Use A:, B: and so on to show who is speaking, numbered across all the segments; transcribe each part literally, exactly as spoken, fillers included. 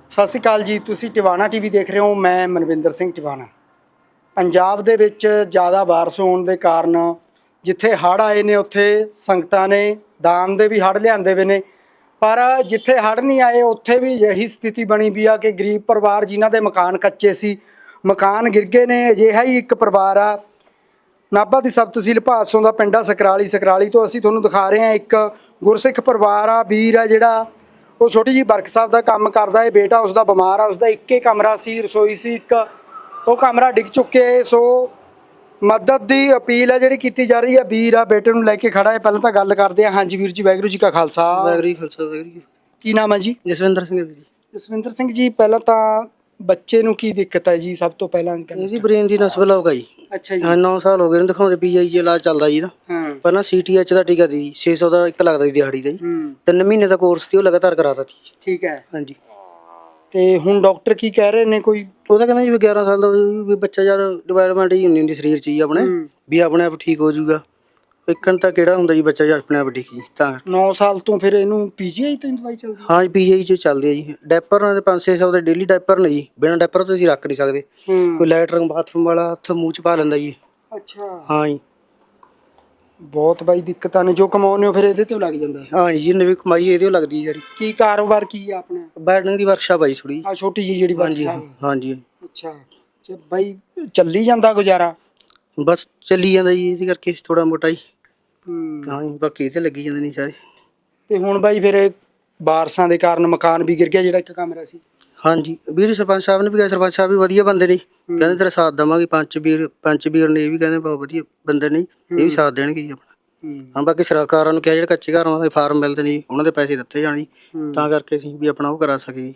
A: ਸਤਿ ਸ਼੍ਰੀ ਅਕਾਲ ਜੀ। ਤੁਸੀਂ ਟਿਵਾਣਾ ਟੀਵੀ ਦੇਖ ਰਹੇ ਹੋ। ਮੈਂ ਮਨਵਿੰਦਰ ਸਿੰਘ ਟਿਵਾਣਾ। ਪੰਜਾਬ ਦੇ ਵਿੱਚ ਜ਼ਿਆਦਾ ਬਾਰਿਸ਼ ਹੋਣ ਦੇ ਕਾਰਨ ਜਿੱਥੇ ਹੜ੍ਹ ਆਏ ਨੇ ਉੱਥੇ ਸੰਗਤਾਂ ਨੇ ਦਾਨ ਦੇ ਵੀ ਹੜ੍ਹ ਲਿਆਂਦੇ ਵੇ ਨੇ, ਪਰ ਜਿੱਥੇ ਹੜ੍ਹ ਨਹੀਂ ਆਏ ਉੱਥੇ ਵੀ ਇਹੀ ਸਥਿਤੀ ਬਣੀ ਵੀ ਆ ਕਿ ਗਰੀਬ ਪਰਿਵਾਰ ਜਿਨ੍ਹਾਂ ਦੇ ਮਕਾਨ ਕੱਚੇ ਸੀ, ਮਕਾਨ ਗਿਰ ਗਏ ਨੇ। ਅਜਿਹਾ ਹੀ ਇੱਕ ਪਰਿਵਾਰ ਆ ਨਾਭਾ ਦੀ ਸਬ ਤਹਿਸੀਲ ਭਾਦਸੋਂ ਦਾ ਪਿੰਡ ਆ ਸਕਰਾਲੀ। ਸਕਰਾਲੀ ਤੋਂ ਅਸੀਂ ਤੁਹਾਨੂੰ ਦਿਖਾ ਰਹੇ ਹਾਂ ਇੱਕ ਗੁਰਸਿੱਖ ਪਰਿਵਾਰ ਆ, ਵੀਰ ਆ ਜਿਹੜਾ ਉਹ ਛੋਟੀ ਜਿਹੀ ਵਰਕਸ਼ਾਪ ਦਾ ਕੰਮ ਕਰਦਾ ਹੈ। ਬੇਟਾ ਉਸਦਾ ਬਿਮਾਰ ਆ, ਉਸਦਾ ਇੱਕੇ ਕਮਰਾ ਸੀ, ਰਸੋਈ ਸੀ ਇੱਕ, ਉਹ ਕਮਰਾ ਡਿੱਗ ਚੁੱਕੇ। ਸੋ ਮਦਦ ਦੀ ਅਪੀਲ ਹੈ ਜਿਹੜੀ ਕੀਤੀ ਜਾ ਰਹੀ ਹੈ। ਵੀਰ ਆ ਬੇਟੇ ਨੂੰ ਲੈ ਕੇ ਖੜਾ ਹੈ। ਪਹਿਲਾਂ ਤਾਂ ਗੱਲ ਕਰਦੇ ਹਾਂ। ਹਾਂਜੀ ਵੀਰ ਜੀ, ਵਾਹਿਗੁਰੂ ਜੀ ਕਾ ਖਾਲਸਾ
B: ਵਾਹਿਗੁਰੂ ਜੀ ਖਾਲਸਾ ਵਾਹਿਗੁਰੂ ਜੀ।
A: ਕੀ ਨਾਮ ਹੈ ਜੀ?
B: ਜਸਵਿੰਦਰ ਸਿੰਘ ਜੀ।
A: ਜਸਵਿੰਦਰ ਸਿੰਘ ਜੀ, ਪਹਿਲਾਂ ਤਾਂ ਬੱਚੇ ਨੂੰ ਕੀ ਦਿੱਕਤ ਹੈ ਜੀ? ਸਭ ਤੋਂ ਪਹਿਲਾਂ
B: ਇਹਦੀ ਬ੍ਰੇਨ ਦੀ ਨਸ ਬਲੌਕ ਆ ਜੀ।
A: ਅੱਛਾ ਜੀ।
B: ਹਾਂ, ਨੌ ਸਾਲ ਹੋ ਗਏ ਨੇ ਦਿਖਾਉਂਦੇ। ਪੀਆਈ ਚ ਇਲਾਜ ਚੱਲਦਾ ਜੀ ਇਹਦਾ।
A: ਹਾਂ।
B: ਪਹਿਲਾਂ ਸੀਟੀਐਚ ਦਾ ਟੀਕਾ ਦੀ ਛੇ ਸੌ ਦਾ ਇੱਕ ਲੱਗਦਾ ਜੀ ਦਿਹਾੜੀ ਦਾ ਜੀ। ਤਿੰਨ ਮਹੀਨੇ ਦਾ ਕੋਰਸ ਸੀ, ਉਹ ਲਗਾਤਾਰ ਕਰਾਤਾ ਜੀ।
A: ਠੀਕ ਹੈ।
B: ਹਾਂਜੀ।
A: ਤੇ ਹੁਣ ਡਾਕਟਰ ਕੀ ਕਹਿ ਰਹੇ ਨੇ? ਕੋਈ
B: ਉਹ ਤਾਂ ਕਹਿੰਦਾ ਜੀ ਵੀ ਗਿਆਰਾਂ ਸਾਲ ਦਾ ਵੀ ਬੱਚਾ ਜਦ ਡਿਵੈਲਪਮੈਂਟ ਹੀ ਹੁੰਦੀ ਹੁੰਦੀ ਸਰੀਰ 'ਚ ਜੀ ਆਪਣੇ, ਵੀ ਆਪਣੇ ਆਪ ਠੀਕ ਹੋ ਜਾਊਗਾ। ਇੱਕਣ ਤਾਂ ਕਿਹੜਾ ਹੁੰਦਾ ਜੀ ਬੱਚਾ ਜੀ ਆਪਣੇ ਆਪ ਠੀਕ ਜੀ। ਤਾਂ
A: ਨੌ ਸਾਲ ਤੋਂ ਫਿਰ ਇਹਨੂੰ ਪੀਜੀਆਈ ਤੋਂ ਦਵਾਈ ਚੱਲਦੀ?
B: ਹਾਂ ਜੀ, ਪੀਜੀਆਈ 'ਚ ਚੱਲਦੇ ਆ ਜੀ। ਡਾਇਪਰ ਨਾਲ ਪੰਜ ਛੇ ਸੌ ਦੇ ਡੇਲੀ ਡਾਇਪਰ ਨੇ ਜੀ। ਬਿਨਾਂ ਡਾਇਪਰ ਤੋਂ ਅਸੀਂ ਰੱਖ ਨਹੀਂ ਸਕਦੇ। ਕੋਈ ਲੈਟਰਿੰਗ ਬਾਥਰੂਮ ਵਾਲਾ ਹੱਥ ਮੂੰਹ 'ਚ ਪਾ ਲੈਂਦਾ ਜੀ।
A: ਅੱਛਾ।
B: ਹਾਂ ਜੀ।
A: ਬਹੁਤ ਬਾਈ ਦਿੱਕਤਾਂ ਨੇ। ਜੋ ਕਮਾਉਂਦੇ ਹੋ ਫਿਰ ਇਹਦੇ ਤੋਂ ਲੱਗ ਜਾਂਦਾ?
B: ਹਾਂ ਜੀ, ਜਿੰਨੇ ਵੀ ਕਮਾਈ ਇਹਦੇ ਲੱਗਦੀ ਯਾਰ।
A: ਕੀ ਕਾਰੋਬਾਰ ਕੀ ਆ ਆਪਣਾ?
B: ਬੈਠਣ ਦੀ ਵਰਕਸ਼ਾਪ ਆ ਜੀ ਥੋੜੀ।
A: ਆ ਛੋਟੀ ਜਿਹੀ ਜਿਹੜੀ
B: ਹਾਂਜੀ
A: ਵਰਕਸ਼ਾਪ?
B: ਹਾਂਜੀ।
A: ਅੱਛਾ। ਤੇ ਬਾਈ ਚੱਲੀ ਜਾਂਦਾ ਗੁਜ਼ਾਰਾ?
B: ਬਸ ਚੱਲੀ ਜਾਂਦਾ ਜੀ, ਇਹਦੇ ਕਰਕੇ ਥੋੜਾ ਮੋਟਾ ਜੀ।
A: ਹੂੰ।
B: ਹਾਂ ਜੀ, ਬਾਕੀ ਇਹ ਤੇ ਲੱਗੀ ਜਾਂਦੇ ਨਹੀਂ ਸਾਰੇ।
A: ਤੇ ਹੁਣ ਬਾਈ ਫਿਰ ਇਹ ਬਾਰਿਸ਼ਾਂ ਦੇ ਕਾਰਨ ਮਕਾਨ ਵੀ ਗਿਰ ਗਿਆ ਜਿਹੜਾ ਇੱਕ ਕਮਰਾ ਸੀ?
B: ਹਾਂਜੀ ਵੀਰ, ਸਰਪੰਚ ਸਾਹਿਬ ਨੇ ਵੀ ਕਿਹਾ। ਸਰਪੰਚ ਸਾਹਿਬ ਵੀ ਵਧੀਆ ਬੰਦੇ ਨੇ, ਕਹਿੰਦੇ ਤੇਰਾ ਸਾਥ ਦੇਵਾਂਗੇ। ਪੰਚ ਵੀਰ ਪੰਚ ਵੀਰ ਨੇ ਇਹ ਵੀ ਕਹਿੰਦੇ ਬਹੁਤ ਵਧੀਆ ਬੰਦੇ ਨੇ, ਇਹ ਵੀ ਸਾਥ ਦੇਣਗੇ ਜੀ ਆਪਣਾ। ਹਾਂ, ਬਾਕੀ ਸਰਕਾਰਾਂ ਨੂੰ ਕਿਹਾ ਜਿਹੜੇ ਕੱਚੇ ਘਰ ਉਹਨਾਂ ਦੇ ਫਾਰਮ ਮਿਲਦੇ ਨੇ ਉਹਨਾਂ ਦੇ ਪੈਸੇ ਦਿੱਤੇ ਜਾਣ ਜੀ, ਤਾਂ ਕਰਕੇ ਅਸੀਂ ਵੀ ਆਪਣਾ ਉਹ ਕਰਾ ਸਕੀਏ ਜੀ।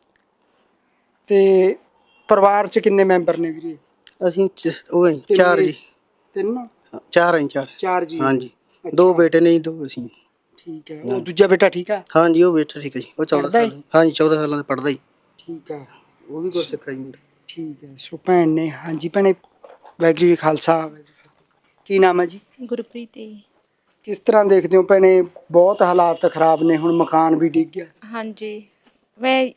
A: ਤੇ ਪਰਿਵਾਰ 'ਚ ਕਿੰਨੇ ਮੈਂਬਰ ਨੇ ਵੀਰੇ?
B: ਅਸੀਂ ਉਹ ਚਾਰ ਜੀ।
A: ਤਿੰਨ?
B: ਚਾਰ ਹੈ ਚਾਰ।
A: ਚਾਰ ਜੀ।
B: ਹਾਂਜੀ, ਦੋ ਬੇਟੇ ਨੇ ਜੀ, ਦੋ ਅਸੀਂ।
A: ਠੀਕ ਹੈ। ਉਹ ਦੂਜਾ ਬੇਟਾ ਠੀਕ ਹੈ?
B: ਹਾਂਜੀ, ਉਹ ਬੇਟਾ ਠੀਕ ਹੈ ਜੀ। ਉਹ ਚੌਦਾਂ ਸਾਲ ਹਾਂਜੀ ਚੌਦਾਂ ਸਾਲਾਂ ਦਾ ਪੜ੍ਹਦਾ ਜੀ।
A: ਠੀਕ ਹੈ।
B: ਉਹ ਵੀ ਕੁਛ ਸਿੱਖਿਆ ਜੀ ਮੁੰਡਾ।
A: ਠੀਕ ਹੈ। ਸੋ ਭੈਣ ਨੇ, ਹਾਂਜੀ ਭੈਣੇ, ਵਾਹਿਗੁਰੂ ਜੀ ਖਾਲਸਾ। ਕੀ ਨਾਮ ਹੈ ਜੀ?
C: ਗੁਰਪ੍ਰੀਤ ਜੀ।
A: ਕਿਸ ਤਰ੍ਹਾਂ ਦੇਖਦੇ ਹੋ ਭੈਣੇ? ਬਹੁਤ ਹਾਲਾਤ ਖਰਾਬ ਨੇ, ਹੁਣ ਮਕਾਨ ਵੀ ਡਿੱਗ ਗਿਆ।
C: ਹਾਂਜੀ। ਮੈਂ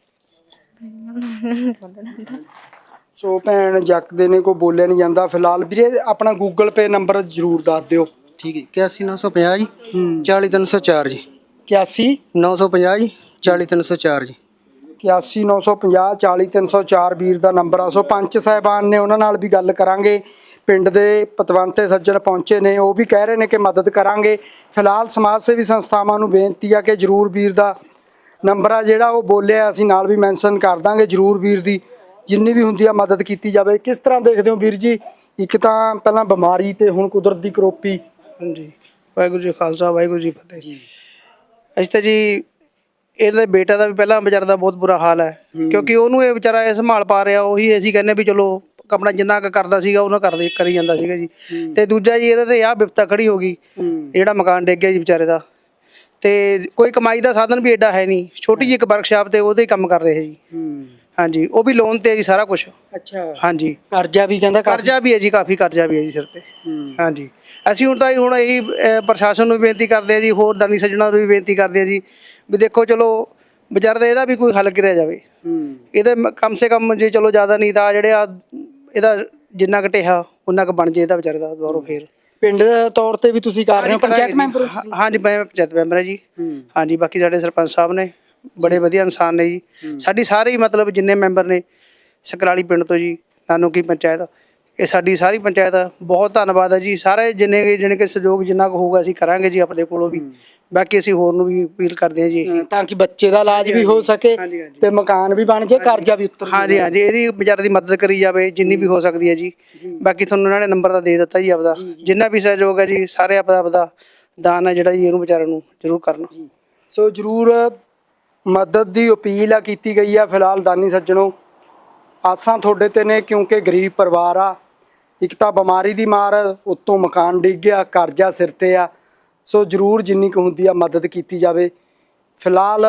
A: ਸੋ ਭੈਣ ਜੱਕਦੇ ਨੇ, ਕੋਈ ਬੋਲਿਆ ਨਹੀਂ ਜਾਂਦਾ। ਫਿਲਹਾਲ ਵੀਰੇ ਆਪਣਾ ਗੂਗਲ ਪੇ ਨੰਬਰ ਜ਼ਰੂਰ ਦੱਸ ਦਿਓ।
B: ਠੀਕ ਹੈ। ਇਕਿਆਸੀ ਨੌ ਸੌ ਪੰਜਾਹ ਜੀ, ਚਾਲੀ ਤਿੰਨ ਸੌ ਚਾਰ ਜੀ।
A: ਇਕਿਆਸੀ
B: ਨੌ ਸੌ ਪੰਜਾਹ ਜੀ, ਚਾਲੀ ਤਿੰਨ ਸੌ ਚਾਰ ਜੀ।
A: ਇਕਿਆਸੀ ਨੌ ਸੌ ਪੰਜਾਹ ਚਾਲੀ ਤਿੰਨ ਸੌ ਚਾਰ ਵੀਰ ਦਾ ਨੰਬਰ ਆ। ਸੋ ਪੰਚ ਸਾਹਿਬਾਨ ਨੇ, ਉਹਨਾਂ ਨਾਲ ਵੀ ਗੱਲ ਕਰਾਂਗੇ। ਪਿੰਡ ਦੇ ਪਤਵੰਤੇ ਸੱਜਣ ਪਹੁੰਚੇ ਨੇ, ਉਹ ਵੀ ਕਹਿ ਰਹੇ ਨੇ ਕਿ ਮਦਦ ਕਰਾਂਗੇ। ਫਿਲਹਾਲ ਸਮਾਜ ਸੇਵੀ ਸੰਸਥਾਵਾਂ ਨੂੰ ਬੇਨਤੀ ਆ ਕਿ ਜ਼ਰੂਰ ਵੀਰ ਦਾ ਨੰਬਰ ਆ ਜਿਹੜਾ ਉਹ ਬੋਲਿਆ, ਅਸੀਂ ਨਾਲ ਵੀ ਮੈਂਸ਼ਨ ਕਰ ਦਾਂਗੇ। ਜ਼ਰੂਰ ਵੀਰ ਦੀ ਜਿੰਨੀ ਵੀ ਹੁੰਦੀ ਆ ਮਦਦ ਕੀਤੀ ਜਾਵੇ। ਕਿਸ ਤਰ੍ਹਾਂ ਦੇਖਦੇ ਹੋ ਵੀਰ ਜੀ? ਇੱਕ ਤਾਂ ਪਹਿਲਾਂ ਬਿਮਾਰੀ ਤੇ ਹੁਣ ਕੁਦਰਤ ਦੀ ਕਰੋਪੀ।
D: ਹਾਂਜੀ, ਵਾਹਿਗੁਰੂ ਜੀ ਖਾਲਸਾ ਵਾਹਿਗੁਰੂ ਜੀ ਫਤਿਹ ਜੀ। ਅਸੀਂ ਤਾਂ ਜੀ ਇਹਦੇ ਬੇਟਾ ਦਾ ਵੀ ਪਹਿਲਾਂ ਵਿਚਾਰਾ ਦਾ ਬਹੁਤ ਬੁਰਾ ਹਾਲ ਹੈ, ਕਿਉਂਕਿ ਉਹਨੂੰ ਇਹ ਵਿਚਾਰਾ ਇਹ ਸੰਭਾਲ ਪਾ ਰਿਹਾ। ਉਹੀ ਅਸੀਂ ਕਹਿੰਦੇ ਵੀ ਚਲੋ ਆਪਣਾ ਜਿੰਨਾ ਕੁ ਕਰਦਾ ਸੀਗਾ ਉਹਨਾਂ ਕਰਦੇ ਕਰੀ ਜਾਂਦਾ ਸੀਗਾ ਜੀ। ਤੇ ਦੂਜਾ ਜੀ ਇਹਦੇ ਤੇ ਆਹ ਬਿਪਤਾ ਖੜੀ ਹੋ ਗਈ, ਜਿਹੜਾ ਮਕਾਨ ਡਿੱਗ ਗਿਆ ਜੀ ਵਿਚਾਰੇ ਦਾ। ਤੇ ਕੋਈ ਕਮਾਈ ਦਾ ਸਾਧਨ ਵੀ ਐਡਾ ਹੈ ਨਹੀਂ। ਛੋਟੀ ਜਿਹੀ ਇੱਕ ਵਰਕਸ਼ਾਪ ਤੇ ਉਹਦੇ ਹੀ ਕੰਮ ਕਰ ਰਹੇ ਜੀ। ਹਾਂਜੀ, ਉਹ ਵੀ ਲੋਨ ਤੇ ਹੈ ਜੀ ਸਾਰਾ ਕੁਛ।
A: ਅੱਛਾ।
D: ਹਾਂਜੀ,
A: ਕਰਜ਼ਾ ਵੀ ਕਹਿੰਦਾ?
D: ਕਰਜ਼ਾ ਵੀ ਹੈ ਜੀ, ਕਾਫੀ ਕਰਜ਼ਾ ਵੀ ਹੈ ਜੀ ਸਿਰ ਤੇ। ਹਾਂਜੀ, ਅਸੀਂ ਹੁਣ ਤਾਂ ਹੁਣ ਇਹੀ ਪ੍ਰਸ਼ਾਸਨ ਨੂੰ ਵੀ ਬੇਨਤੀ ਕਰਦੇ ਹਾਂ ਜੀ, ਹੋਰ ਦਾਨੀ ਸੱਜਣਾਂ ਨੂੰ ਵੀ ਬੇਨਤੀ ਕਰਦੇ ਹਾਂ ਜੀ ਵੀ ਦੇਖੋ ਚਲੋ ਵਿਚਾਰੇ ਦਾ ਇਹਦਾ ਵੀ ਕੋਈ ਹੱਲ ਕਰਿਆ ਜਾਵੇ। ਇਹਦੇ ਕਮ ਸੇ ਕਮ ਜੇ ਚਲੋ ਜ਼ਿਆਦਾ ਨਹੀਂ ਤਾਂ ਜਿਹੜੇ ਆ ਇਹਦਾ ਜਿੰਨਾ ਕੁ ਢੇਹਾ ਉਨਾ ਕੁ ਬਣ ਜੇ ਇਹਦਾ ਵਿਚਾਰੇ ਦਾ ਦੁਬਾਰਾ ਫੇਰ।
A: ਪਿੰਡ ਦੇ ਤੌਰ ਤੇ ਵੀ ਤੁਸੀਂ ਕਰ ਰਹੇ ਹੋ? ਪੰਚਾਇਤ ਮੈਂਬਰ?
D: ਹਾਂਜੀ, ਮੈਂ ਪੰਚਾਇਤ ਮੈਂਬਰ ਹਾਂ ਜੀ। ਹਾਂਜੀ, ਬਾਕੀ ਸਾਡੇ ਸਰਪੰਚ ਸਾਹਿਬ ਨੇ ਬੜੇ ਵਧੀਆ ਇਨਸਾਨ ਨੇ ਜੀ। ਸਾਡੀ ਸਾਰੇ ਹੀ ਮਤਲਬ ਜਿੰਨੇ ਮੈਂਬਰ ਨੇ ਸਕਰਾਲੀ ਪਿੰਡ ਤੋਂ ਜੀ, ਨਾਨੂਕੀ ਪੰਚਾਇਤ, ਇਹ ਸਾਡੀ ਸਾਰੀ ਪੰਚਾਇਤ ਬਹੁਤ ਧੰਨਵਾਦ ਹੈ ਜੀ। ਸਾਰੇ ਜਿੰਨੇ ਜਿੰਨੇ ਕਿ ਸਹਿਯੋਗ ਜਿੰਨਾ ਕੁ ਹੋਊਗਾ ਅਸੀਂ ਕਰਾਂਗੇ ਜੀ ਆਪਣੇ ਕੋਲੋਂ ਵੀ। ਬਾਕੀ ਅਸੀਂ ਹੋਰ ਨੂੰ ਵੀ ਅਪੀਲ ਕਰਦੇ ਹਾਂ ਜੀ,
A: ਤਾਂ ਕਿ ਬੱਚੇ ਦਾ ਇਲਾਜ ਵੀ ਹੋ ਸਕੇ ਤੇ ਮਕਾਨ ਵੀ ਬਣ ਜਾਏ, ਕਰਜ਼ਾ ਵੀ ਉਤਰ।
D: ਹਾਂਜੀ ਹਾਂਜੀ, ਇਹਦੀ ਵਿਚਾਰੇ ਦੀ ਮਦਦ ਕਰੀ ਜਾਵੇ ਜਿੰਨੀ ਵੀ ਹੋ ਸਕਦੀ ਹੈ ਜੀ। ਬਾਕੀ ਤੁਹਾਨੂੰ ਉਹਨਾਂ ਨੇ ਨੰਬਰ ਤਾਂ ਦੇ ਦਿੱਤਾ ਜੀ ਆਪਦਾ, ਜਿੰਨਾ ਵੀ ਸਹਿਯੋਗ ਹੈ ਜੀ ਸਾਰੇ ਆਪਦਾ ਆਪਦਾ ਦਾਨ ਹੈ ਜਿਹੜਾ ਜੀ ਇਹਨੂੰ ਵਿਚਾਰੇ ਨੂੰ ਜ਼ਰੂਰ ਕਰਨਾ।
A: ਸੋ ਜ਼ਰੂਰ ਮਦਦ ਦੀ ਅਪੀਲ ਆ ਕੀਤੀ ਗਈ ਆ। ਫਿਲਹਾਲ ਦਾਨੀ ਸੱਜਣੋ, ਆਸਾਂ ਤੁਹਾਡੇ ਤੇ ਨੇ, ਕਿਉਂਕਿ ਗਰੀਬ ਪਰਿਵਾਰ ਆ। ਇੱਕ ਤਾਂ ਬਿਮਾਰੀ ਦੀ ਮਾਰ, ਉੱਤੋਂ ਮਕਾਨ ਡਿੱਗ ਗਿਆ, ਕਰਜ਼ਾ ਸਿਰ ਤੇ ਆ। ਸੋ ਜ਼ਰੂਰ ਜਿੰਨੀ ਕੁ ਹੁੰਦੀ ਆ ਮਦਦ ਕੀਤੀ ਜਾਵੇ। ਫਿਲਹਾਲ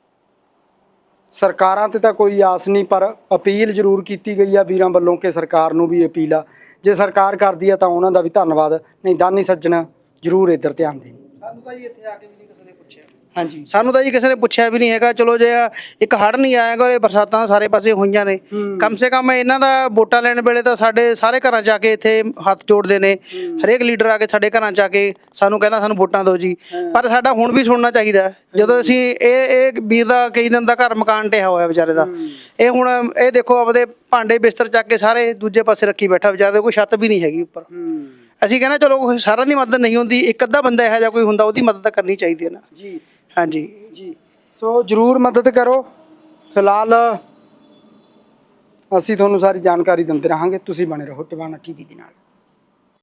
A: ਸਰਕਾਰਾਂ ਤੇ ਤਾਂ ਕੋਈ ਆਸ ਨਹੀਂ, ਪਰ ਅਪੀਲ ਜ਼ਰੂਰ ਕੀਤੀ ਗਈ ਆ ਵੀਰਾਂ ਵੱਲੋਂ ਕਿ ਸਰਕਾਰ ਨੂੰ ਵੀ ਅਪੀਲ ਆ। ਜੇ ਸਰਕਾਰ ਕਰਦੀ ਆ ਤਾਂ ਉਹਨਾਂ ਦਾ ਵੀ ਧੰਨਵਾਦ, ਨਹੀਂ ਦਾਨੀ ਸੱਜਣ ਜ਼ਰੂਰ ਇੱਧਰ ਧਿਆਨ ਦੇਣ।
D: ਸਾਨੂੰ ਤਾਂ ਜੀ ਇੱਥੇ ਆ ਕੇ ਵੀ ਨਹੀਂ ਕਿਸੇ ਨੇ ਪੁੱਛਿਆ।
A: ਹਾਂਜੀ
D: ਸਾਨੂੰ ਤਾਂ ਜੀ ਕਿਸੇ ਨੇ ਪੁੱਛਿਆ ਵੀ ਨਹੀਂ ਹੈਗਾ। ਚਲੋ ਜੇ ਇੱਕ ਹੜ੍ਹ ਨਹੀਂ ਆਇਆ ਗਾ, ਇਹ ਬਰਸਾਤਾਂ ਸਾਰੇ ਪਾਸੇ ਹੋਈਆਂ ਨੇ, ਕਮ ਸੇ ਕਮ ਇਹਨਾਂ ਦਾ ਵੋਟਾਂ ਲੈਣ ਵੇਲੇ ਤਾਂ ਸਾਡੇ ਸਾਰੇ ਘਰਾਂ 'ਚ ਆ ਕੇ ਇੱਥੇ ਹੱਥ ਜੋੜਦੇ ਨੇ। ਹਰੇਕ ਲੀਡਰ ਆ ਕੇ ਸਾਡੇ ਘਰਾਂ 'ਚ ਆ ਕੇ ਸਾਨੂੰ ਕਹਿੰਦਾ ਸਾਨੂੰ ਵੋਟਾਂ ਦਿਓ ਜੀ। ਪਰ ਸਾਡਾ ਹੁਣ ਵੀ ਸੁਣਨਾ ਚਾਹੀਦਾ ਹੈ। ਜਦੋਂ ਅਸੀਂ ਇਹ ਇਹ ਵੀਰ ਦਾ ਕਈ ਦਿਨ ਦਾ ਘਰ ਮਕਾਨ ਢਹਿਆ ਹੋਇਆ ਵਿਚਾਰੇ ਦਾ, ਇਹ ਹੁਣ ਇਹ ਦੇਖੋ ਆਪਦੇ ਭਾਂਡੇ ਬਿਸਤਰ ਚੱਕ ਕੇ ਸਾਰੇ ਦੂਜੇ ਪਾਸੇ ਰੱਖੀ ਬੈਠਾ ਵਿਚਾਰੇ ਦੇ, ਕੋਈ ਛੱਤ ਵੀ ਨਹੀਂ ਹੈਗੀ ਉੱਪਰ। ਅਸੀਂ ਕਹਿੰਦੇ ਚਲੋ ਸਾਰਿਆਂ ਦੀ ਮਦਦ ਨਹੀਂ ਹੁੰਦੀ, ਇੱਕ ਅੱਧਾ ਬੰਦਾ ਇਹੋ ਜਿਹਾ ਕੋਈ ਹੁੰਦਾ ਉਹਦੀ ਮਦਦ ਤਾਂ ਕਰਨੀ ਚਾਹੀਦੀ ਹੈ ਨਾ
A: ਜੀ।
D: ਹਾਂਜੀ
A: ਜੀ ਸੋ ਜ਼ਰੂਰ ਮਦਦ ਕਰੋ। ਫਿਲਹਾਲ ਅਸੀਂ ਤੁਹਾਨੂੰ ਸਾਰੀ ਜਾਣਕਾਰੀ ਦਿੰਦੇ ਰਹਾਂਗੇ, ਤੁਸੀਂ ਬਣੇ ਰਹੋ ਟਿਵਾਣਾ ਟੀਵੀ ਦੇ ਨਾਲ।